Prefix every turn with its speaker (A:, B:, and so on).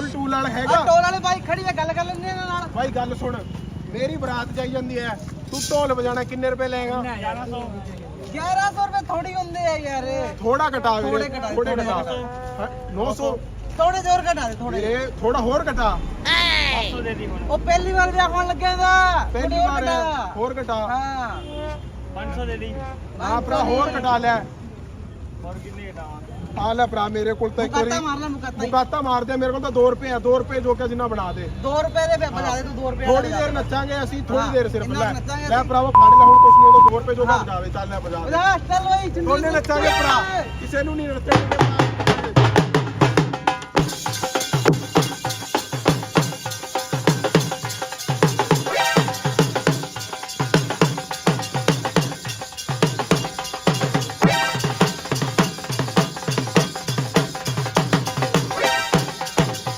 A: Tool ਵਾਲਾ ਹੈਗਾ
B: toll ਵਾਲੇ ਬਾਈ ਖੜੀ ਹੈ ਗੱਲ ਕਰ ਲੈਂਦੇ ਇਹਨਾਂ ਨਾਲ
A: ਬਾਈ ਗੱਲ ਸੁਣ ਮੇਰੀ ਬਰਾਤ ਜਾਈ ਜਾਂਦੀ ਹੈ ਤੂੰ ਢੋਲ ਵਜਾਣਾ ਕਿੰਨੇ ਰੁਪਏ ਲਏਗਾ
B: 1100 ਰੁਪਏ ਥੋੜੀ ਹੁੰਦੇ ਆ ਯਾਰ
A: ਥੋੜਾ ਘਟਾ
B: ਥੋੜੇ ਘਟਾ,
A: ਥੋੜੇ ਘਟਾ 900
B: ਥੋੜੇ ਜ਼ੋਰ ਘਟਾ ਦੇ ਥੋੜੇ
A: ਵੀਰੇ ਥੋੜਾ ਹੋਰ ਘਟਾ
B: ਉਹ ਪਹਿਲੀ ਵਾਰ ਵਿਆਹ ਹੋਣ ਲੱਗਿਆ ਦਾ
A: ਪਹਿਲੀ ਵਾਰ ਹੋਰ ਘਟਾ
B: ਹਾਂ
C: 500 ਦੇ ਦੀ
A: ਹਾਂ ਭਰਾ ਹੋਰ ਘਟਾ ਲੈ
C: ਹੋਰ ਕਿੰਨੇ ਘਟਾਵਾਂ
A: ਆ ਲੈ ਭਰਾ ਮੇਰੇ ਕੋਲ ਤਾਂ ਇੱਕ ਵਾਰੀ
B: ਮੁਕਾਤਾ ਮਾਰ ਲੈ ਮੁਕਾਤਾ
A: ਮੁਕਾਤਾ ਮਾਰ ਦੇ ਮੇਰੇ ਕੋਲ ਤਾਂ 2 ਰੁਪਏ ਆ 2 ਰੁਪਏ ਜੋ ਕਿ ਜਿੰਨਾ ਬਣਾ ਦੇ
B: 2 ਰੁਪਏ ਦੇ ਬਜਾ ਦੇ ਤੂੰ 2 ਰੁਪਏ
A: ਥੋੜੀ ਦੇਰ ਨੱਚਾਂਗੇ ਅਸੀਂ ਥੋੜੀ ਦੇਰ ਸਿਰਫ
B: ਇੰਨਾ
A: ਲੈ
B: ਨੱਚਾਂਗੇ
A: ਲੈ
B: ਅਸੀਂ।
A: ਭਰਾਵਾ ਫੜ ਲੈ ਹੁਣ ਕੁਛ ਨਹੀਂ ਉਹ 2 ਰੁਪਏ ਜੋ ਬਜਾਵੇ ਚੱਲ ਲੈ ਬਜਾ
B: ਬਜਾ ਚੱਲ ਓਏ
A: ਦੋਨੇ ਨੱਚਾਂਗੇ ਭਰਾ ਕਿਸੇ ਨੂੰ ਨਹੀਂ ਨੱਚਾਂਗੇ